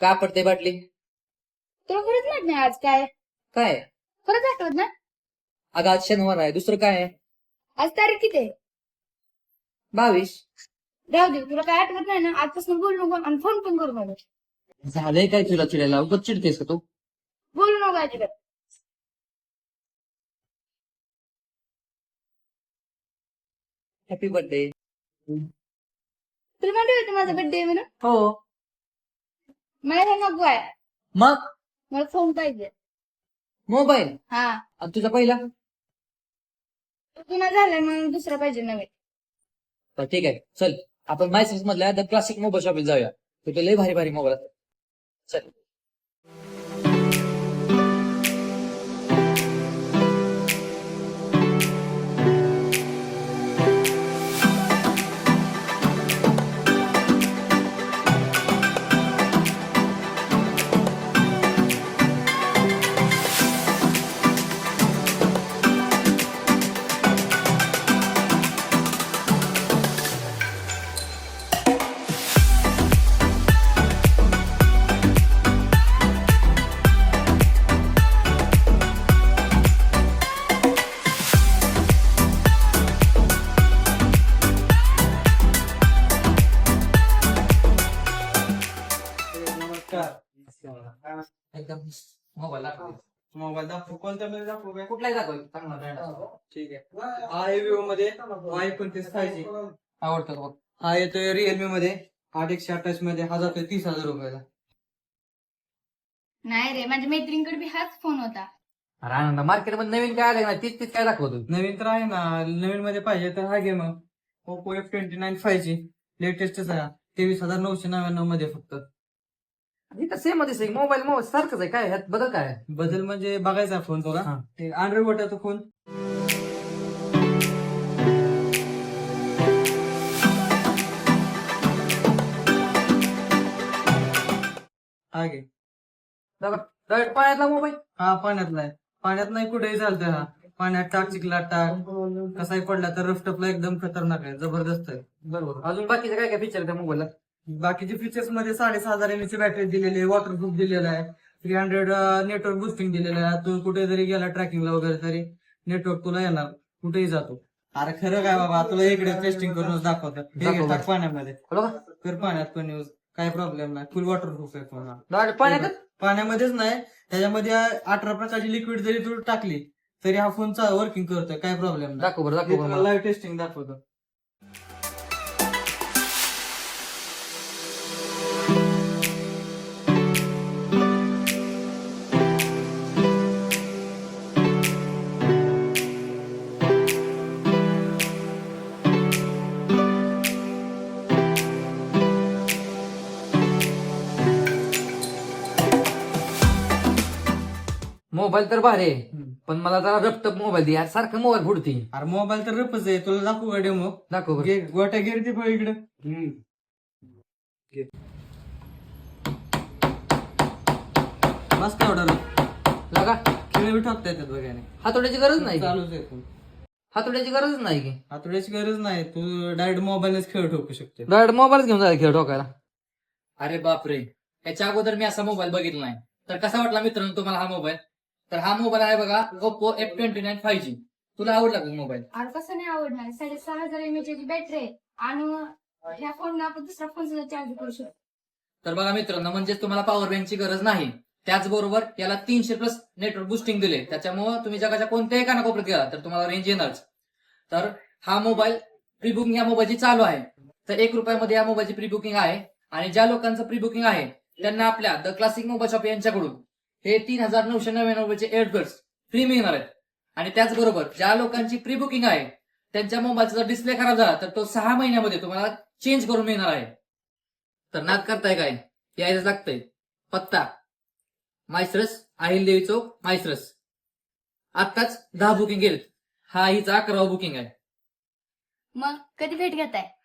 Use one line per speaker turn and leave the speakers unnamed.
का पडते बाटली?
तुला खरंच माहित नाही आज काय
काय?
खरंच आठवत ना?
अगं आज शनिवार आहे, दुसरं काय आहे?
आज तारीख किती आहे?
22.
राहू दे, तुला काय आठवत नाही ना, आजपासून बोलू नको आणि फोन पण करू नको.
झालंय काय तुला चिडायला? उगाच चिडतेस का तू?
बोलू नको अजिबात.
Happy birthday.
तुला माहिती होतं माझा बर्थडे म्हणून?
हो.
मला हे नको आहे.
मग
मला फोन पाहिजे.
मोबाईल
हा,
आणि तुझा पहिला?
जुना झालाय म्हणून दुसरा पाहिजे नवीन.
तर ठीक आहे, चल आपण मायसेस मधल्या द क्लासिक मोबाईल शॉपिंग जाऊया. तिथे लय भारी भारी मोबाईल असतात. चल. एकदम मोबाईल दाखव.
मोबाईल दाखवू कोणत्या मध्ये दाखवू काय?
कुठलाही दाखव, चांगला ब्रँड असतो.
ठीक आहे. हा आहे विवो मध्ये Y29 5G.
आवडतं का बघ?
हा येतोय रिअलमी मध्ये 8128 मध्ये, हा जातोय 30,000 रुपयाला.
नाही रे, माझ्या मैत्रिणीकडे बी हाच फोन होता.
अरे आनंद, मार्केटमध्ये नवीन काय आलं ना, तीच तीच काय दाखवतो.
नवीन तर आहे ना, नवीन मध्ये पाहिजे तर हा घे मग. Oppo F29 5G लेटेस्टच आहे, 23,999 मध्ये फक्त.
इथं सेम मध्ये मोबाईल मोबाईल सारखंच आहे, काय ह्यात बदल काय आहे?
बदल म्हणजे बघायचा फोन तुला.
हा.
अँड्रॉइड वाटायचा फोन. हा घे.
डायरेक्ट पाण्यातला मोबाईल.
हा पाण्यातला आहे. पाण्यात नाही कुठेही चालतोय हा. पाण्यात टाक, चिखलात टाक, कसाही पडला तर रफटपला एकदम खतरनाक आहे, जबरदस्त आहे.
बरोबर. अजून बाकीचे काय काय फीचर त्या मोबाईलला?
बाकीचे फीचर्स मध्ये 6,500 mAh बॅटरी दिलेली आहे, वॉटरप्रूफ दिलेला आहे, 300 नेटवर्क बुस्टिंग दिलेलं आहे. तू कुठे जरी गेला ट्रॅकिंगला वगैरे तरी नेटवर्क तुला येणार, कुठेही जातो. अरे खरं काय बाबा, तुला इकडे टेस्टिंग करूनच दाखवतात.
दाखव बरं.
पाण्यामध्ये
बरोबर.
कर, पाण्यात पण यूज, काय प्रॉब्लेम नाही. फुल वॉटरप्रूफ आहे फोन हा.
डायरेक्ट पाण्यातच.
पाण्यामध्येच नाही, त्याच्यामध्ये 18 प्रकारची लिक्विड जरी तू टाकली तरी हा फोन वर्किंग करतोय, काय प्रॉब्लेम नाही.
दाखव बरं, दाखव बरं मला.
लाईव्ह टेस्टिंग दाखवतो.
मोबाईल तर भारी आहे, पण मला जरा रपटप मोबाईल दे यार, सारखं मोबाईल फुडती.
अरे मोबाईल तर रपच आहे, तुला दाखवू का डेमो?
दाखव बरं.
गोट्या गिरती पण इकडे. मस्त ऑर्डर
लगा.
खेळ बी टाकता येतात बघाने.
हातोड्याची गरज नाही की?
चालूच आहे फोन.
हातोड्याची गरजच नाही की?
हातोड्याची गरज नाही, तू डायरेक्ट मोबाईलच खेळ ठोकू शकते.
डायरेक्ट मोबाईलच घेऊन जायला खेळ ठोकायला.
अरे बापरे, याच्या अगोदर मी असा मोबाईल बघितला नाही. तर कसा वाटला मित्रांनो तुम्हाला हा मोबाईल? तर हा मोबाईल आहे बघा, Oppo F29 5G. तुला आवडला का मोबाईल?
अरे कसं नाही आवडणार? 6,500 mAh बॅटरी आहे आणि ह्या फोनला आपण दुसरा फोन सुद्धा चार्ज करू शकतो.
तर बघा मित्रांनो, म्हणजेच तुम्हाला पॉवर बँकची गरज नाही. त्याचबरोबर याला 300+ नेटवर्क बुस्टिंग दिले, त्याच्यामुळे तुम्ही जगाच्या कोणत्याही कानाकोपऱ्यात गेला तर तुम्हाला रेंज येणारच. तर हा मोबाईल प्री बुकिंग या मोबाईलची चालू आहे. तर ₹1 या मोबाईलची प्री बुकिंग आहे. आणि ज्या लोकांचं प्री बुकिंग आहे त्यांना आपल्या द क्लासिक मोबाईल शॉप यांच्याकडून हे 3,999 एअरबड्स फ्री मिळणार आहेत. आणि त्याचबरोबर ज्या लोकांची प्री बुकिंग आहे त्यांच्या मोबाईलचा जर डिस्प्ले खराब झाला तर तो 6 महिन्यामध्ये तुम्हाला चेंज करून मिळणार आहे. तर नाद करताय काय, यायचं लागतंय. पत्ता मायसरस, अहिलदेवी चौक, मायसरस. आत्ताच 10 बुकिंग केलेत. हा हिचा 11वा बुकिंग आहे.
मग कधी भेट घेताय?